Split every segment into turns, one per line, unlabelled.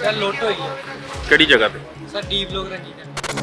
Sir लुट हुई है
ਕਿਹੜੀ ਜਗ੍ਹਾ ਤੇ?
Sir D block Ranjit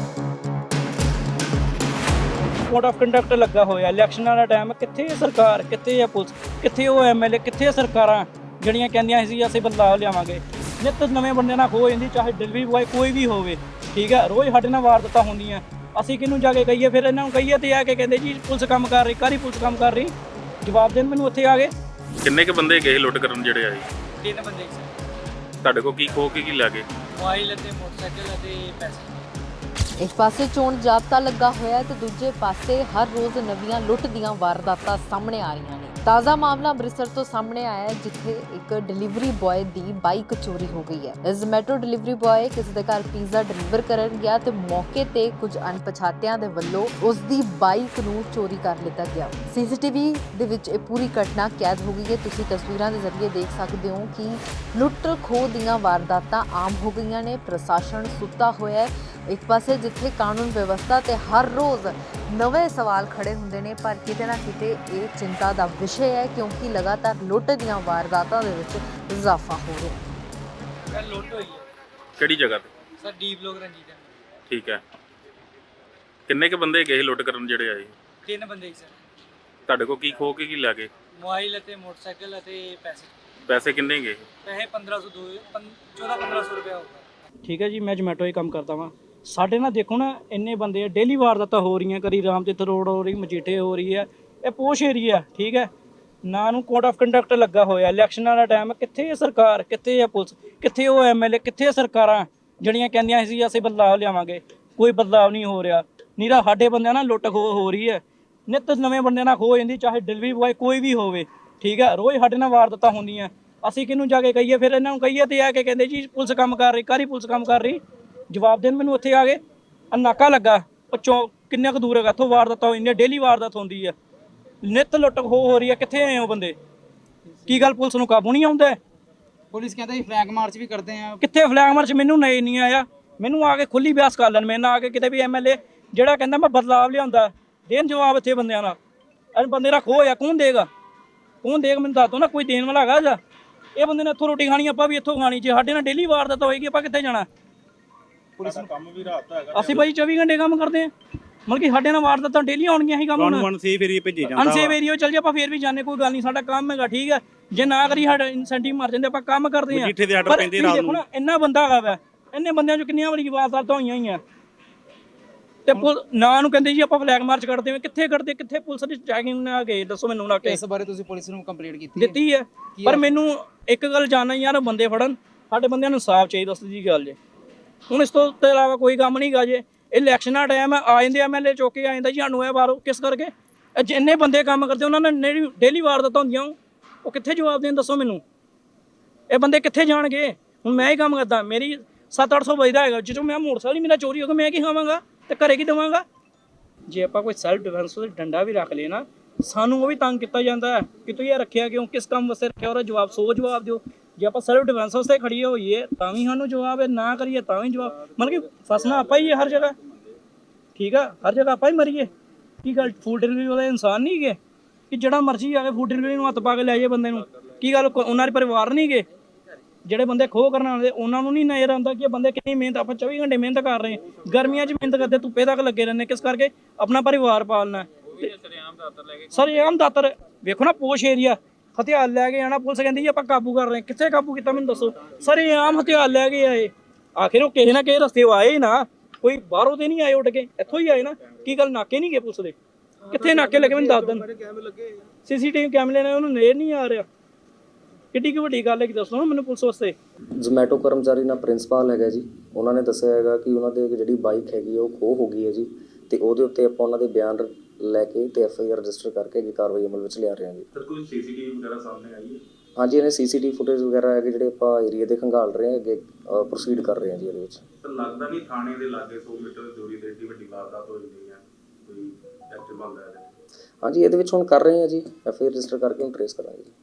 code of conduct ਲੱਗਾ ਹੋਇਆ ਇਲੈਕਸ਼ਨਾਂ ਦਾ ਟਾਈਮ ਕਿੱਥੇ ਹੈ ਸਰਕਾਰ, ਕਿੱਥੇ ਹੈ ਪੁਲਿਸ, ਕਿੱਥੇ ਉਹ ਐਮਐਲਏ, ਕਿੱਥੇ ਹੈ ਸਰਕਾਰਾਂ ਜਿਹੜੀਆਂ ਕਹਿੰਦੀਆਂ ਸੀ ਅਸੀਂ ਬਦਲਾਅ ਲਿਆਵਾਂਗੇ। ਨਿੱਤ ਨਵੇਂ ਬੰਦੇ ਨਾਲ ਖੋ ਜਾਂਦੀ, ਚਾਹੇ ਡਿਲੀਵਰੀ ਬॉय ਕੋਈ ਵੀ ਹੋਵੇ, ਠੀਕ ਹੈ। ਰੋਜ਼ ਸਾਡੇ ਨਾਲ ਵਾਰਦਾਤਾਂ ਹੁੰਦੀਆਂ, ਅਸੀਂ ਕਿਹਨੂੰ ਜਾ ਕੇ ਕਹੀਏ? ਫਿਰ ਇਹਨਾਂ ਨੂੰ ਕਹੀਏ ਤੇ ਆ ਕੇ ਕਹਿੰਦੇ ਜੀ ਪੁਲਿਸ ਕੰਮ ਕਰ ਰਹੀ, ਕਾਹਦੀ ਪੁਲਿਸ ਕੰਮ ਕਰ ਰਹੀ? ਜਵਾਬ ਦੇਣ ਮੈਨੂੰ ਉੱਥੇ ਆ ਗਏ।
ਕਿੰਨੇ ਕ ਬੰਦੇ ਗਏ ਲੁੱਟ ਕਰਨ ਜਿਹੜੇ ਆਏ?
3 ਬੰਦੇ सर
ਤੁਹਾਡੇ ਕੋਲ ਕੀ ਖੋ ਕੇ ਕੀ ਲੈ ਗਏ?
मोबाइल ਅਤੇ मोटरसाइकिल ਅਤੇ पैसे।
ਇੱਕ ਪਾਸੇ ਚੋਣ ਜਾਬਤਾ ਲੱਗਾ ਹੋਇਆ ਹੈ ਤੇ ਦੂਜੇ ਪਾਸੇ ਹਰ ਰੋਜ਼ ਨਵੀਆਂ ਲੁੱਟ ਦੀਆਂ ਵਾਰਦਾਤਾਂ ਸਾਹਮਣੇ ਆ ਰਹੀਆਂ ਨੇ। ਤਾਜ਼ਾ ਮਾਮਲਾ ਅੰਮ੍ਰਿਤਸਰ ਤੋਂ ਸਾਹਮਣੇ ਆਇਆ ਹੈ, ਜਿੱਥੇ ਇੱਕ ਡਿਲੀਵਰੀ ਬॉय ਦੀ ਬਾਈਕ ਚੋਰੀ ਹੋ ਗਈ ਹੈ। ਜ਼ੋਮੈਟੋ ਡਿਲੀਵਰੀ ਬॉय ਕਿਸੇ ਦੇ ਘਰ ਪੀਜ਼ਾ ਡਿਲੀਵਰ ਕਰਨ ਗਿਆ ਤੇ ਮੌਕੇ ਤੇ ਕੁਝ ਅਣਪਛਾਤਿਆਂ ਦੇ ਵੱਲੋਂ ਉਸ ਦੀ ਬਾਈਕ ਨੂੰ ਚੋਰੀ ਕਰ ਲਿੱਤਾ ਗਿਆ। ਸੀਸੀਟੀਵੀ ਦੇ ਵਿੱਚ ਇਹ ਪੂਰੀ ਘਟਨਾ ਕੈਦ ਹੋ ਗਈ ਹੈ। ਤੁਸੀਂ ਤਸਵੀਰਾਂ ਦੇ ਜ਼ਰੀਏ ਦੇਖ ਸਕਦੇ ਹੋ ਕਿ ਲੁੱਟ ਖੋਹ ਦੀਆਂ ਵਾਰਦਾਤਾਂ ਆਮ ਹੋ ਗਈਆਂ ਨੇ। ਪ੍ਰਸ਼ਾਸਨ ਸੁੱਤਾ ਹੋਇਆ ਹੈ। ਇੱਕ ਪਾਸੇ ਜਿੱਥੇ ਕਾਨੂੰਨ ਵਿਵਸਥਾ ਤੇ ਹਰ ਰੋਜ਼ ਨਵੇਂ ਸਵਾਲ ਖੜੇ ਹੁੰਦੇ ਨੇ, ਪਰ ਕਿਤੇ ਨਾ ਕਿਤੇ ਇਹ ਚਿੰਤਾ ਦਾ ਵਿਸ਼ੇ ਹੈ, ਕਿਉਂਕਿ ਲਗਾਤਾਰ ਲੁੱਟ ਦੀਆਂ ਵਾਰਦਾਤਾਂ ਦੇ ਵਿੱਚ ਇਜ਼ਾਫਾ ਹੋ ਰਿਹਾ ਹੈ।
सर लुट हुई है
ਕਿਹੜੀ ਜਗ੍ਹਾ ਤੇ?
सर डी ब्लॉक रंजीत
ਠੀਕ ਹੈ। ਕਿੰਨੇ ਕ ਬੰਦੇ ਗਏ ਲੁੱਟ ਕਰਨ ਜਿਹੜੇ ਆਏ?
3 ਬੰਦੇ ਸਰ
ਤੁਹਾਡੇ ਕੋਲ ਕੀ ਖੋ ਕੇ ਕੀ ਲੈ ਗਏ?
मोबाइल ਅਤੇ मोटरसाइकिल ਅਤੇ पैसे।
ਪੈਸੇ ਕਿੰਨੇ ਗਏ?
ਪੈਸੇ 1500 14-1500 ਰੁਪਏ ਹੋਊਗਾ।
ਠੀਕ ਹੈ ਜੀ, ਮੈਂ ਜੋਮੈਟੋ ਹੀ ਕੰਮ ਕਰਦਾ ਵਾਂ। ਸਾਡੇ ਨਾਲ ਦੇਖੋ ਨਾ, ਇੰਨੇ ਬੰਦੇ ਡੇਲੀ ਵਾਰਦਾਤਾਂ ਹੋ ਰਹੀਆਂ, ਕਦੀ ਰਾਮਤੀਰਥ ਰੋਡ ਹੋ ਰਹੀ, ਮਜੀਠੇ ਹੋ ਰਹੀ ਹੈ। ਇਹ ਪੋਸ਼ ਏਰੀਆ, ਠੀਕ ਹੈ ਨਾ, ਨੂੰ ਕੋਡ ਆਫ ਕੰਡਕਟ ਲੱਗਾ ਹੋਇਆ ਇਲੈਕਸ਼ਨਾਂ ਦਾ ਟਾਈਮ ਕਿੱਥੇ ਹੈ ਸਰਕਾਰ, ਕਿੱਥੇ ਹੈ ਪੁਲਿਸ, ਕਿੱਥੇ ਉਹ ਐਮਐਲਏ, ਕਿੱਥੇ ਹੈ ਸਰਕਾਰਾਂ ਜਿਹੜੀਆਂ ਕਹਿੰਦੀਆਂ ਸੀ ਅਸੀਂ ਬਦਲਾਅ ਲਿਆਵਾਂਗੇ? ਕੋਈ ਬਦਲਾਅ ਨਹੀਂ ਹੋ ਰਿਹਾ। ਨੀਰਾ ਸਾਡੇ ਬੰਦਿਆਂ ਨਾਲ ਲੁੱਟ ਖੋਹ ਹੋ ਰਹੀ ਹੈ। ਨਿੱਤ ਨਵੇਂ ਬੰਦੇ ਨਾਲ ਖੋ ਜਾਂਦੀ, ਚਾਹੇ ਡਿਲੀਵਰੀ ਬॉय ਕੋਈ ਵੀ ਹੋਵੇ, ਠੀਕ ਹੈ। ਰੋਜ਼ ਸਾਡੇ ਨਾਲ ਵਾਰਦਾਤਾਂ ਹੁੰਦੀਆਂ, ਅਸੀਂ ਕਿਹਨੂੰ ਜਾ ਕੇ ਕਹੀਏ? ਫਿਰ ਇਹਨਾਂ ਨੂੰ ਕਹੀਏ ਤੇ ਆ ਕੇ ਕਹਿੰਦੇ ਜੀ ਪੁਲਿਸ ਕੰਮ ਕਰ ਰਹੀ, ਕਾਹਦੀ ਪੁਲਿਸ ਕੰਮ ਕਰ ਰਹੀ? ਜਵਾਬ ਦੇਣ ਮੈਨੂੰ ਉੱਥੇ ਆ ਗਏ। ਨਾਕਾ ਲੱਗਾ ਪੱਚੋਂ ਕਿੰਨੇ ਕੁ ਦੂਰ ਹੈਗਾ ਇੱਥੋਂ, ਵਾਰਦਾਤਾਂ ਹੋਈਆਂ, ਡੇਲੀ ਵਾਰਦਾਤ ਹੁੰਦੀ ਹੈ, ਨਿੱਤ ਲੁੱਟ ਖੋਹ ਹੋ ਰਹੀ ਹੈ। ਕਿੱਥੇ ਆਏ ਹੋ ਬੰਦੇ? ਕੀ ਗੱਲ ਪੁਲਿਸ ਨੂੰ ਕਾਬੂ ਨਹੀਂ ਆਉਂਦਾ?
ਪੁਲਿਸ ਕਹਿੰਦਾ ਜੀ ਫਲੈਗ ਮਾਰਚ ਵੀ ਕਰਦੇ ਆ।
ਕਿੱਥੇ ਫਲੈਗ ਮਾਰਚ? ਮੈਨੂੰ ਨਹੀਂ ਆਇਆ। ਮੈਨੂੰ ਆ ਕੇ ਖੁੱਲੀ ਬਿਆਸ ਕਰ ਲੈਣ, ਮੇਰੇ ਨਾਲ ਆ ਕੇ ਕਿਤੇ ਵੀ ਐਮਐਲਏ ਜਿਹੜਾ ਕਹਿੰਦਾ ਮੈਂ ਬਦਲਾਵ ਲਿਆਉਂਦਾ, ਦੇਣ ਜਵਾਬ ਇੱਥੇ ਬੰਦਿਆਂ ਨਾਲ। ਇਹ ਬੰਦੇ ਦਾ ਖੋਹ ਆ, ਕੌਣ ਦੇਗਾ? ਕੌਣ ਦੇਗਾ ਮੈਨੂੰ ਦੱਸ ਦਿਓ ਨਾ, ਕੋਈ ਦੇਣ ਵਾਲਾ ਹੈਗਾ ਜਾਂ? ਇਹ ਬੰਦੇ ਨੇ ਇੱਥੋਂ ਰੋਟੀ ਖਾਣੀ, ਆਪਾਂ ਵੀ ਇੱਥੋਂ ਖਾਣੀ। ਜੇ ਸਾਡੇ ਨਾਲ ਡੇਲੀ ਵਾਰਦਾਤ ਹੋਏਗੀ, ਆਪਾਂ ਕਿੱਥੇ ਜਾਣਾ? ਪੁਲਿਸ ਨੂੰ ਕੰਮ ਵੀ ਰਾਤ ਦਾ ਹੈਗਾ, ਅਸੀਂ ਭਾਈ 24 ਘੰਟੇ ਕੰਮ ਕਰਦੇ ਆ। ਮਤਲਬ ਕਿ ਸਾਡੇ ਨਾਲ ਵਾਰਦਾਤਾਂ ਡੇਲੀ ਆਉਣਗੀਆਂ ਹੀ ਕੰਮ ਹੁਣ। ਅਨਸੇਫ ਏਰੀਆ ਭੇਜੀ ਜਾਂਦਾ, ਅਨਸੇਫ ਏਰੀਆ ਚੱਲ ਜੇ ਆਪਾਂ ਫੇਰ ਵੀ ਜਾਣੇ, ਕੋਈ ਗੱਲ ਨਹੀਂ, ਸਾਡਾ ਕੰਮ ਹੈਗਾ, ਠੀਕ ਹੈ। ਜੇ ਨਾ ਕਰੀ ਸਾਡਾ ਇਨਸੈਂਟਿਵ ਮਰ ਜਾਂਦੇ, ਆਪਾਂ ਕੰਮ ਕਰਦੇ ਆ। ਪਰ ਦੇਖੋ ਨਾ, ਇੰਨਾ ਬੰਦਾ ਹੈਗਾ ਵਾ, ਇੰਨੇ ਬੰਦਿਆਂ ਚੋਂ ਕਿੰਨੀਆਂ ਵਾਰੀ ਵਾਰਦਾਤਾਂ ਹੋਈਆਂ ਹੀ ਆ। ਤੇ ਨਾ ਨੂੰ ਕਹਿੰਦੇ ਜੀ ਆਪਾਂ ਫਲੈਗ ਮਾਰਚ ਕਰਦੇ ਹਾਂ, ਕਿੱਥੇ ਕਰਦੇ? ਕਿੱਥੇ ਪੁਲਿਸ ਦੀ ਚੈਕਿੰਗ ਨਾ ਗਏ? ਦੱਸੋ ਮੈਨੂੰ ਨਾ।
ਇਸ ਬਾਰੇ ਤੁਸੀਂ ਪੁਲਿਸ ਨੂੰ ਕੰਪਲੇਂਟ ਕੀਤੀ
ਦਿੱਤੀ ਹੈ, ਪਰ ਮੈਨੂੰ ਇੱਕ ਗੱਲ ਜਾਣਨਾ ਯਾਰ, ਬੰਦੇ ਫੜਨ, ਸਾਡੇ ਬੰਦਿਆਂ ਨੂੰ ਇਨਸਾਫ ਚਾਹੀਦਾ। ਸਿੱਧੀ ਗੱਲ ਜੇ, ਹੁਣ ਇਸ ਤੋਂ ਇਲਾਵਾ ਕੋਈ ਕੰਮ ਨਹੀਂ ਗਾ। ਜੇ ਇਲੈਕਸ਼ਨਾਂ ਟਾਈਮ ਆ ਜਾਂਦੇ ਐਮਐਲਏ ਚੁੱਕ ਕੇ ਆ ਜਾਂਦਾ ਜੀ ਸਾਨੂੰ ਇਹ ਬਾਹਰੋਂ, ਕਿਸ ਕਰਕੇ? ਜਿੰਨੇ ਬੰਦੇ ਕੰਮ ਕਰਦੇ ਉਹਨਾਂ ਨੇ ਡੇਲੀ ਵਾਰਦਾਤਾਂ ਹੁੰਦੀਆਂ, ਉਹ ਕਿੱਥੇ ਜਵਾਬ ਦੇਣ? ਦੱਸੋ ਮੈਨੂੰ, ਇਹ ਬੰਦੇ ਕਿੱਥੇ ਜਾਣਗੇ? ਹੁਣ ਮੈਂ ਹੀ ਕੰਮ ਕਰਦਾ, ਮੇਰੀ 700-800 ਵਜਦਾ ਹੈਗਾ, ਜਦੋਂ ਮੈਂ ਮੋਟਰਸਾਈਕਲ ਮੇਰਾ ਚੋਰੀ ਹੋ ਗਿਆ, ਮੈਂ ਕੀ ਖਾਵਾਂਗਾ ਤੇ ਘਰੇ ਕੀ ਦੇਵਾਂਗਾ? ਜੇ ਆਪਾਂ ਕੋਈ ਸੈਲਫ ਡਿਫੈਂਸ ਦਾ ਡੰਡਾ ਵੀ ਰੱਖ ਲਏ ਨਾ, ਸਾਨੂੰ ਉਹ ਵੀ ਤੰਗ ਕੀਤਾ ਜਾਂਦਾ ਹੈ ਕਿ ਤੂੰ ਇਹ ਰੱਖਿਆ ਕਿਉਂ, ਕਿਸ ਕੰਮ ਵਾਸਤੇ ਰੱਖਿਆ, ਉਹਦਾ ਜਵਾਬ ਜਵਾਬ ਦਿਓ। ਜੇ ਆਪਾਂ ਸੈਲਫ ਡਿਫੈਂਸ ਵਾਸਤੇ ਖੜੀਏ ਹੋਈਏ ਤਾਂ ਵੀ ਸਾਨੂੰ ਜਵਾਬ ਹੈ, ਨਾ ਕਰੀਏ ਤਾਂ ਵੀ ਜਵਾਬ। ਮਤਲਬ ਕਿ ਫਸਣਾ ਆਪਾਂ ਹੀ ਹੈ ਹਰ ਜਗ੍ਹਾ, ਠੀਕ ਆ, ਹਰ ਜਗ੍ਹਾ ਆਪਾਂ ਹੀ ਮਰੀਏ। ਕੀ ਗੱਲ ਫੂਡ ਡਿਲੀਵਰੀ ਵਾਲੇ ਇਨਸਾਨ ਨਹੀਂ ਗਏ ਕਿ ਜਿਹੜਾ ਮਰਜ਼ੀ ਆ ਕੇ ਫੂਡ ਡਿਲੀਵਰੀ ਨੂੰ ਹੱਥ ਪਾ ਕੇ ਲੈ ਜਾਏ ਬੰਦੇ ਨੂੰ? ਕੀ ਗੱਲ ਉਹਨਾਂ ਦੇ ਪਰਿਵਾਰ ਨਹੀਂ ਗਏ? ਜਿਹੜੇ ਬੰਦੇ ਖੋਹ ਕਰਨ ਵਾਲੇ ਉਹਨਾਂ ਨੂੰ ਨਹੀਂ ਨਜ਼ਰ ਆਉਂਦਾ ਕਿ ਬੰਦੇ ਕਿੰਨੀ ਮਿਹਨਤ, ਆਪਾਂ 24 ਘੰਟੇ ਮਿਹਨਤ ਕਰ ਰਹੇ ਹਾਂ, ਗਰਮੀਆਂ 'ਚ ਮਿਹਨਤ ਕਰਦੇ, ਧੁੱਪੇ ਤੱਕ ਲੱਗੇ ਰਹਿੰਦੇ, ਕਿਸ ਕਰਕੇ? ਆਪਣਾ ਪਰਿਵਾਰ ਪਾਲਣਾ। ਸਰ ਇਹ ਆਮ ਦਾਤਰ ਵੇਖੋ ਨਾ, ਪੋਸ਼ ਏਰੀਆ, ਹਥਿਆਰ ਲੈ ਕੇ ਆਣਾ, ਪੁਲਿਸ ਕਹਿੰਦੀ ਜੀ ਆਪਾਂ ਕਾਬੂ ਕਰ ਰਹੇ। ਕਿੱਥੇ ਕਾਬੂ ਕੀਤਾ ਮੈਨੂੰ ਦੱਸੋ? ਸਰ ਇਹ ਆਮ ਹਥਿਆਰ ਲੈ ਕੇ ਆਏ, ਆਖਿਰ ਉਹ ਕਿਸੇ ਨਾ ਕਿਸੇ ਰਸਤੇ ਆਏ ਹੀ ਨਾ, ਕੋਈ ਬਾਹਰੋਂ ਤੇ ਨਹੀਂ ਆਏ ਉੱਡ ਕੇ, ਇੱਥੋਂ ਹੀ ਆਏ ਨਾ। ਕੀ ਗੱਲ ਨਾਕੇ ਨਹੀਂ ਗਏ ਪੁਲਿਸ ਦੇ? ਕਿੱਥੇ ਨਾਕੇ ਲੱਗੇ ਮੈਨੂੰ ਦੱਸ ਦੇਣ। ਸੀਸੀਟੀਵੀ ਕੈਮਰੇ ਨੇ ਉਹਨੂੰ ਨੇੜ ਨਹੀਂ ਆ ਰਿਹਾ। ਕਿੱਡੀ ਕੁ ਵੱਡੀ ਗੱਲ ਹੈ ਕਿ ਦੱਸੋ ਮੈਨੂੰ ਪੁਲਿਸ ਵਾਸਤੇ।
ਜ਼ੋਮੈਟੋ ਕਰਮਚਾਰੀ ਨਾਲ ਪ੍ਰਿੰਸੀਪਲ ਹੈਗਾ ਜੀ, ਉਹਨਾਂ ਨੇ ਦੱਸਿਆ ਹੈਗਾ ਕਿ ਉਹਨਾਂ ਦੇ ਜਿਹੜੀ ਬਾਈਕ ਹੈਗੀ ਉਹ ਖੋਹ ਹੋ ਗਈ ਹੈ ਜੀ, ਤੇ ਉਹਦੇ ਉੱਤੇ ਆਪਾਂ ਉਹਨਾਂ ਦੇ ਬਿਆਨ ਲੈ ਕੇ ਤੇ ਐਫਆਈਆਰ ਰਜਿਸਟਰ ਕਰਕੇ ਅੱਗੇ ਕਾਰਵਾਈ ਅਮਲ ਵਿੱਚ ਲਿਆ ਰਹੇ ਹਾਂ ਜੀ। ਸਰ ਕੋਈ ਸੀਸੀਟੀਵੀ ਵਗੈਰਾ ਸਾਹਮਣੇ ਆਈ ਹੈ? ਹਾਂਜੀ, ਇਹਨੇ ਸੀਸੀਟੀਵੀ ਫੁਟੇਜ ਵਗੈਰਾ ਹੈਗੇ ਜਿਹੜੇ ਆਪਾਂ ਏਰੀਆ ਦੇ ਖੰਗਾਲ ਰਹੇ ਹਾਂ, ਅੱਗੇ ਪ੍ਰੋਸੀਡ ਕਰ ਰਹੇ ਹਾਂ ਜੀ ਇਹਦੇ ਵਿੱਚ।
ਤਾਂ ਲੱਗਦਾ ਨਹੀਂ ਥਾਣੇ ਦੇ ਲਾਗੇ 100 ਮੀਟਰ ਦੀ ਦੂਰੀ ਤੇ ਏਡੀ ਵੱਡੀ ਵਾਰਦਾਤ ਹੋ ਜਾਂਦੀ ਹੈ, ਕੋਈ ਐਕਸ਼ਨ ਬਣਦਾ ਹੈ?
ਹਾਂਜੀ, ਇਹਦੇ ਵਿੱਚ ਹੁਣ ਕਰ ਰਹੇ ਹਾਂ ਜੀ, ਐਫਆਈਆਰ ਰਜਿਸਟਰ ਕਰਕੇ ਹੁਣ ਟ੍ਰੇਸ ਕਰਾਂਗੇ ਜੀ।